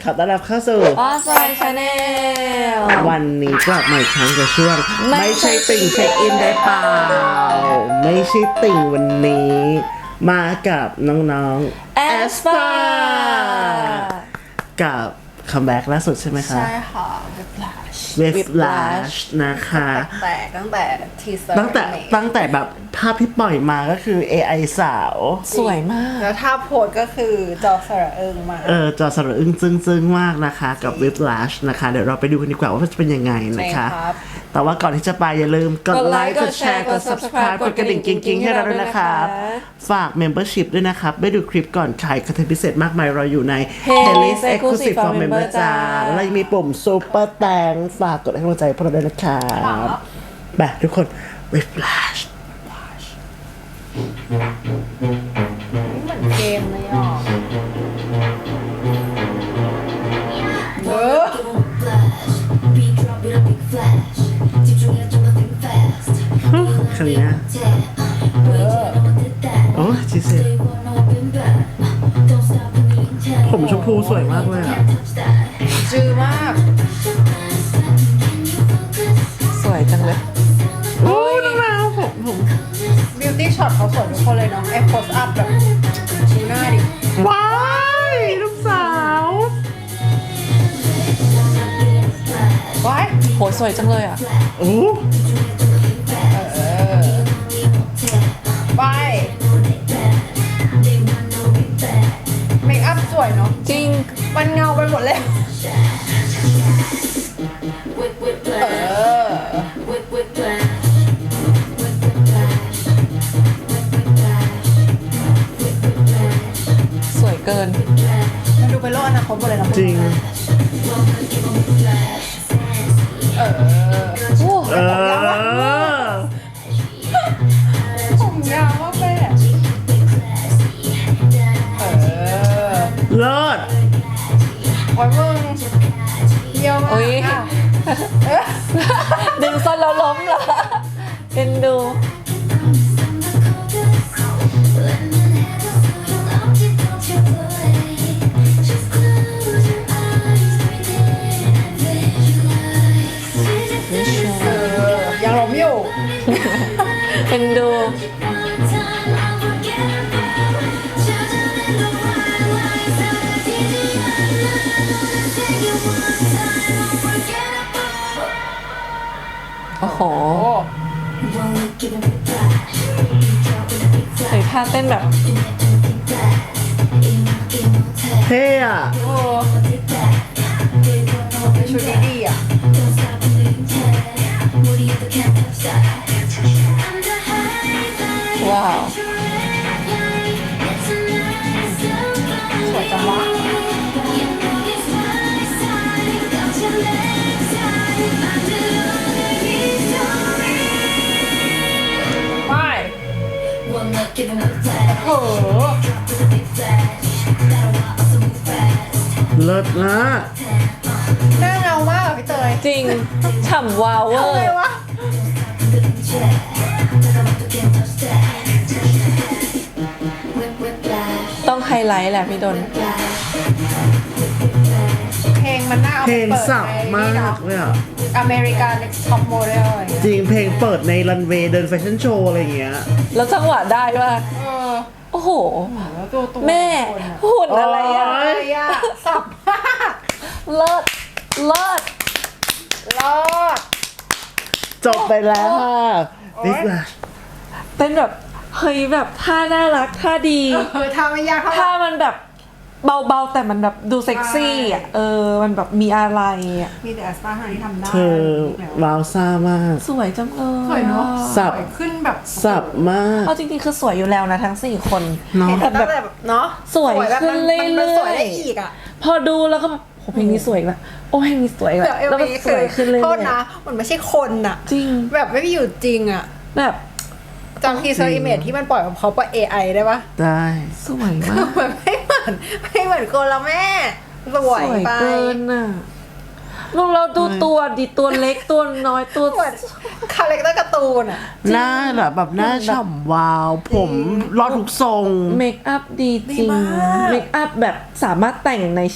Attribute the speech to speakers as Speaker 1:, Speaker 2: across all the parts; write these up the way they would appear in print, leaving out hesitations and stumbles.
Speaker 1: ขอต้อนรับเข้าสู่
Speaker 2: ออสไลน์ชาแนล
Speaker 1: วันนี้กลับมาอีกครั้งกับช่วงไม่ใช่ติ่งเช็คอินได้เปล่าไม่ใช่ติ่งวันนี้มากับน้องๆแอสปากับคัมแบ็กล่าสุดใช่ไหมคะ
Speaker 3: ใช่ค่ะ
Speaker 1: เวฟลาชนะคะ
Speaker 3: ตั้งแต่ทีเซอร์
Speaker 1: ตั้งแต่แบบภาพที่ปล่อยมาก็คือ AI สาว
Speaker 2: สวยมาก
Speaker 3: แล้วถ้าโพสก็คือจอสระอึ้งมา
Speaker 1: จอสระอึ้งซึ้งมากนะคะกับ Whiplash นะคะเดี๋ยวเราไปดูกันดีกว่าว่าจะเป็นยังไงนะคะแต่ว่าก่อนที่จะไปอย่าลืมกดไลค์กดแชร์กด Subscribe กดกระดิ่งกิ๊งๆให้เราด้วยนะคะฝาก Membership ด้วยนะครับได้ดูคลิปก่อนใครคอนเทนต์พิเศษมากมายเราอยู่ใน Playlist Exclusive for Member จ้าแล้วยังมีปุ่ม Super แตงฝากกดให้กำลังใจพวกเราด้วยนะครับไปทุกคน Whiplash
Speaker 3: เหมือนเกมเลยอ่ะ
Speaker 1: ครั้งนี้โอ้จีเซ่ผมชมพูสวยมากเลยอ่ะ
Speaker 3: จือมาก
Speaker 2: สวยจังเลย
Speaker 1: โอ้น้องแมวผม
Speaker 3: บิวตี้ช็อตเขาสวยทุกคนเลยเนาะไอ้โพสอัพแบบดูหน้าดิ
Speaker 1: ว้ายลูกสาว
Speaker 3: ว้าย
Speaker 2: โหสวยจังเลยอ่ะ
Speaker 1: โอ้
Speaker 3: ว้ายเมคอัพสวยเนาะ
Speaker 2: จริง
Speaker 3: มันเงาไปหมดเลย
Speaker 2: สวยเกิน
Speaker 3: มันดูเป็นโลกอนาคตหมดเลยนะ
Speaker 1: จริง
Speaker 3: ผมยาวมากแม่
Speaker 1: เลิศ
Speaker 3: โอ้ยมึงเยี่ยมมาก
Speaker 2: ดึงส้นแล้วล้มเหรอเป็นดู
Speaker 3: ยังล้มอยู่
Speaker 2: เป็นดูโอ้โหใส่ท่าเต้นแบบ
Speaker 1: เท่อะ
Speaker 3: โอ้ชุดนี้ดีอ่ะ
Speaker 2: ว้าว
Speaker 3: สวยจังวะโอ้โห
Speaker 1: เลิศนะ
Speaker 3: หน้าเงามากพี่เตย
Speaker 2: จริงฉ่ำวาวเวอร์ต้องไฮไลท์แหละพี่ดน
Speaker 3: เพลงมันน่าเอา
Speaker 1: เพลง
Speaker 3: ไปเปิด
Speaker 1: สับมากเลยอ่ะ
Speaker 3: อเมริกันท็อปโมเดล
Speaker 1: จริงเพลงเปิดในรันเวย์เดินแฟชั่นโชว์อะไรอย่างเงี้ย
Speaker 2: แล้วจังหวะได้ว่าโอ้โหแม่หุ่นอะไรอ่ะ
Speaker 3: สับมาก
Speaker 2: เลิศเลิศ
Speaker 3: เลิศ
Speaker 1: จบไปแล้วค่ะนี่แหละ
Speaker 2: เต้นแบบเฮ้ยแบบท่าน่ารักท่าดี
Speaker 3: ท่าไม่ยาก
Speaker 2: ท่ามันแบบเบาๆแต่มันแบบดูเซ็กซี่อ่ะมันแบบมีอะไรอ่ะ
Speaker 3: มีแต่แอสปาร์ที่ทำได้
Speaker 1: เธอว้าวซ่ามาก
Speaker 2: สวยจังเลย
Speaker 3: สวยเนาะ
Speaker 1: สับ
Speaker 3: ขึ้นแบบ
Speaker 1: สับมาก
Speaker 2: เอาจริงๆคือสวยอยู่แล้วนะทั้ง4คน
Speaker 1: เนาะ
Speaker 3: แต่แบบเนาะ
Speaker 2: สวยขึ้นเรื่อยๆ
Speaker 3: สวยได้อีกอ่ะ
Speaker 2: พอดูแล้วก็โอ้เพลงนี้สวยละโอ้เพลงนี้สวยละแล้วมันสวยขึ้นเรื่อยๆ
Speaker 3: โทษนะมันไม่ใช่คนอ่ะ
Speaker 2: จริง
Speaker 3: แบบไม่ได้อยู่จริงอ่ะ
Speaker 2: แบบ
Speaker 3: จำทีเซอร์อิเมจที่มันปล่อยของเขาปะ AI ได้ปะ
Speaker 1: ได้
Speaker 2: สวยมาก
Speaker 3: มันไม่เหมือนคนละแม่สวยไป
Speaker 2: เกินอ่ะ เราดูตัวดิตัวเล็กตัวน้อยตัว
Speaker 3: คาแรคเตอร์การ์ตูนอ่ะ
Speaker 1: หน้าแบบหน้าฉ่ำวาวผมรอดทุกทรง
Speaker 2: เมคอัพดีจริงเมคอัพแบบสามารถแต่งในชีวิต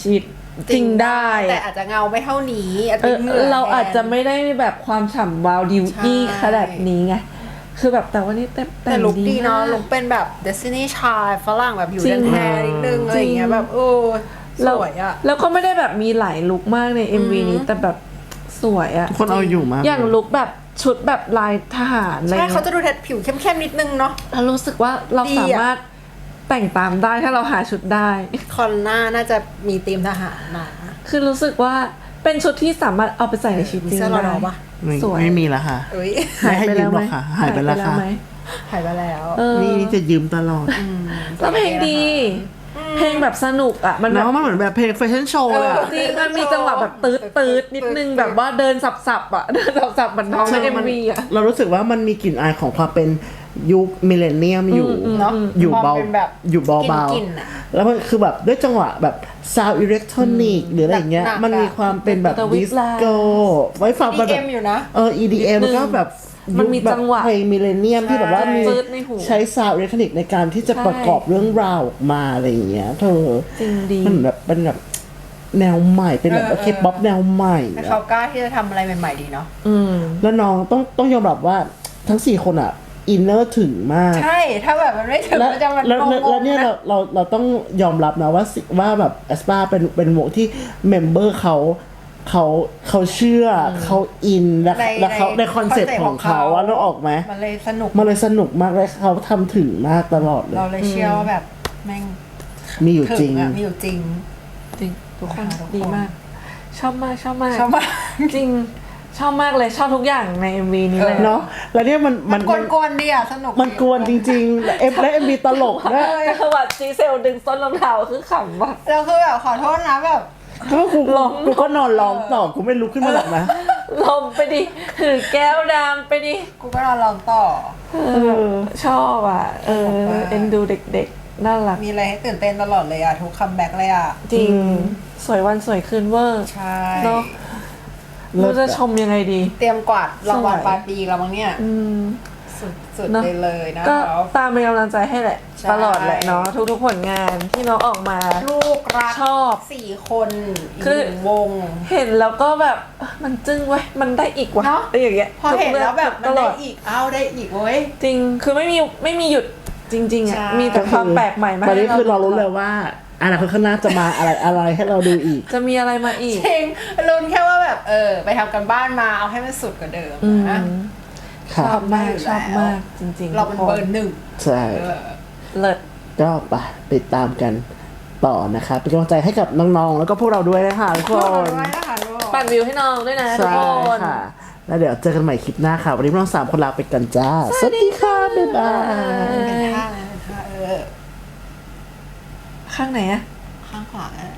Speaker 2: จริงได้
Speaker 3: แต่อาจจะเงาไม่เท่านี้อาจจะเหงื่อ
Speaker 2: เราอาจจะ
Speaker 3: แทน
Speaker 2: ไม่ได้แบบความฉ่ำวาวดิวอี้
Speaker 3: ใช่
Speaker 2: ขนาดนี้ไงคือแบบแต่ว่านี่
Speaker 3: แต่ลุคดีเนาะ
Speaker 2: มก
Speaker 3: ลุคเป็นแบบ Destiny Child ฝรั่งแบบอยู่
Speaker 2: จริ
Speaker 3: แด
Speaker 2: ง
Speaker 3: นแทนนิดนึงอะไรอย่างเงี้ยแบบสวยอะ
Speaker 2: แล้วก็ไม่ได้แบบมีหลายลุคมากใน MV นี้แต่แบบสวยอะ
Speaker 1: คนเอาอยู่มาก
Speaker 2: อย่างลุคแบบชุดแบบลายทหารอะไร
Speaker 3: ใช่
Speaker 2: เงี้
Speaker 3: เขา
Speaker 2: ย
Speaker 3: จะดูผิวเข้มๆนิดนึงเนาะ
Speaker 2: เรารู้สึกว่าเรา
Speaker 3: ดีอะ
Speaker 2: สามารถแต่งตามได้ถ้าเราหาชุดได้
Speaker 3: คอนหน้าน่าจะมีธีมทหารมา
Speaker 2: คือรู้สึกว่าเป็นชุดที่สามารถเอาไปใส่ในชีวิต
Speaker 3: มี
Speaker 2: จริง
Speaker 3: เสื้อรอ
Speaker 2: ได้
Speaker 3: ปะ
Speaker 2: สวย
Speaker 1: ไม่มีแล้วค่ะ
Speaker 3: อุ้ย
Speaker 1: ไม่ให้ยืมหรอกค่ะ หายไปแล้วค่ะ
Speaker 2: ไหม
Speaker 3: หายไปแล้ว
Speaker 2: เออ
Speaker 1: นี่จะยืมตลอด
Speaker 2: แล้วเพลงดี เพลงแบบสนุกอ่ะ มันแบ
Speaker 1: เนาะ
Speaker 2: บ
Speaker 1: มันเหมือนแบบเพลงแฟชั่นโชว์เลยอะ
Speaker 2: จริงมันมีจังหวะแบบตืดนิดนึงแบบว่าเดินสับๆอ่ะ เดินสับๆเหมือนน้องใน MV อ่ะ
Speaker 1: เรารู้สึกว่ามันมีกลิ่นอายของความเป็นยุคมิเลเนียมอยู่
Speaker 3: เนาะ
Speaker 1: อยู่เบา
Speaker 3: ความเป็นแบบ
Speaker 1: อยู่เบา
Speaker 3: กลิ่นๆอะ
Speaker 1: ๆแล้วมันคือแบบด้วยจังหวะแบบซาวอิเล็กทรอนิกหรืออะไรอย่างเงี้ย
Speaker 3: หนักๆ
Speaker 1: มันมีความเป็นแบบ
Speaker 2: แต่
Speaker 1: ดิสโก้ไว้ฟังมันแบบ
Speaker 3: EDM อยู่นะ
Speaker 1: EDM
Speaker 2: นิดนึง
Speaker 1: ก็แบบ
Speaker 2: มันมี
Speaker 1: ยุคแบบ
Speaker 2: จังหวะ
Speaker 1: เพลงมิเลเนียมที่แบบว่ามี
Speaker 2: ฟืดในหู
Speaker 1: ใช้ซาวอิเล็กทรอนิกในการที่จะ
Speaker 2: ใช่
Speaker 1: ประกอบเรื่องราวออกมาอะไรอย่างเงี้ยเธอ
Speaker 2: จริงดี
Speaker 1: มันแบบเป็นแบบแนวใหม่เป็นแบบเคป๊อปแนวใหม่
Speaker 3: แต่
Speaker 1: อะ
Speaker 3: เขากล้าที่จะทำอะไรใหม่ๆดีเนาะ
Speaker 2: อืม
Speaker 1: แล้วน้องต้องยอมรับว่าทั้ง4คนอ่ะอินเนอร์ถึงมาก
Speaker 3: ใช่ ถ้าแบบมันไม่ถึง
Speaker 1: แล้ว
Speaker 3: มันจะมัน
Speaker 1: แล้ว
Speaker 3: ง
Speaker 1: แล้ว
Speaker 3: งๆ
Speaker 1: เนี่ย
Speaker 3: นะ
Speaker 1: เราต้องยอมรับนะว่าแบบแอสปาเป็นวงที่เมมเบอร์เขาเชื่อเขาอินแล้วเขาในคอนเซ็ปต์ของเขาว่าเราออกไหม
Speaker 3: มันเลยสนุก
Speaker 1: มันเลยสนุกมากเลยเขาทำถึงมากตลอดเลย
Speaker 3: เราเลยเชื่อว่าแบบแม่ง
Speaker 1: มีอยู่จริง
Speaker 3: อะมีอยู่จริง
Speaker 2: จริงทุกคน
Speaker 3: ทุกคน
Speaker 2: ดีมาก ชอบมาก
Speaker 3: ชอบมาก
Speaker 2: จริงชอบมากเลยชอบทุกอย่างใน MV นี้เลย
Speaker 1: เนาะแล้วเนี่ยมัน
Speaker 3: มันกวนๆดีอะสนุก
Speaker 1: มันกวนจริงๆและเอ็มบีตลกด้วย
Speaker 2: แต่คือว่าจีเซลดึงส้นรองเท้าคือขำว่ะ
Speaker 3: แล้วคือแบบขอโทษนะแบบ
Speaker 1: ก็กูก็นอนร้องต่อกูไม่ลุกขึ้นมาหรอกนะ
Speaker 2: ลมไปดิถือแก้วดำไปดิ
Speaker 3: กูก็นอนลองต่อ
Speaker 2: ชอบอ่ะ เอ็นดูเด็กๆ น่ารัก
Speaker 3: มีอะไรให้ตื่นเต้นตลอดเลยอะทุกคัมแบ็กเลยอะ
Speaker 2: จริง สวยวันสวยคืนเวอร์
Speaker 3: ใช่
Speaker 2: เนาะ
Speaker 1: เลิ
Speaker 2: รู้
Speaker 1: ศ
Speaker 2: จะ
Speaker 1: อะ
Speaker 2: ชมยังไงดี
Speaker 3: เตรียมกวาดรางวัล
Speaker 2: สวย
Speaker 3: ปลายปีแล้วมั้งเนี่ย
Speaker 2: อืม
Speaker 3: สุด
Speaker 2: เนอะ
Speaker 3: ไปเลยนะ
Speaker 2: ก็
Speaker 3: ครับ
Speaker 2: ตามเป็นกำลังใจให้แหละ
Speaker 3: ใช่
Speaker 2: ตลอดแหละเนาะทุกๆผลงานที่น้องออกมา
Speaker 3: ลูกรัก
Speaker 2: ชอบ
Speaker 3: 4 คนอีก
Speaker 2: คือ
Speaker 3: หนึ่งวง
Speaker 2: เห็นแล้วก็แบบมันจึ้งเว้ยมันได้อีกว่ะ
Speaker 3: เนอะ
Speaker 2: อะไรอย่างเงี้ย
Speaker 3: พอเห็นแล้วแบบ
Speaker 2: ต
Speaker 3: มัน
Speaker 2: ล
Speaker 3: ได้
Speaker 2: อด
Speaker 3: อีกได้อีกเว้ย
Speaker 2: จริงคือไม่มีหยุดจริงๆอ่ะ
Speaker 3: ใช่
Speaker 2: มีแต่ความแปลกใหม่มา
Speaker 1: ตอนนี้
Speaker 2: ให้
Speaker 1: คือเรารู้เลยว่าอนาคตข้างหน้าจะมาอะไรให้เราดูอีก
Speaker 2: จะมีอะไรมาอีก
Speaker 3: จริงลุ้นแค่ว่าแบบไปทำกันบ้านมาเอาให้มันสุดกว่าเดิมนะ
Speaker 2: ชอบมากชอบมากจริงๆ
Speaker 3: เราเป็น
Speaker 2: ทุก
Speaker 3: เบ
Speaker 2: ค
Speaker 3: อร์หนึ่ง
Speaker 1: ใช่
Speaker 3: เออ
Speaker 2: เลิศ
Speaker 1: ก็ไปติดตามกันต่อนะคะเป็นกำลังใจให้กับน้องๆ แล้วก็พวกเราด้วยนะคะทุกค
Speaker 3: ขอบ
Speaker 1: น
Speaker 3: คุณมากนะคะลูก
Speaker 2: ปั่นวิวให้น้องด้วยนะทุก
Speaker 1: ใช่
Speaker 2: คน
Speaker 1: ค่ะ แล้วเดี๋ยวเจอกันใหม่คลิปหน้าค่ะ วันนี้พวกเรา3 คนลาไปกันจ้า สวัสดีค่ะ บ๊ายบาย
Speaker 3: เป็นท่านะเป็นท่า
Speaker 2: ข้างไหนอะ
Speaker 3: ข้างขวา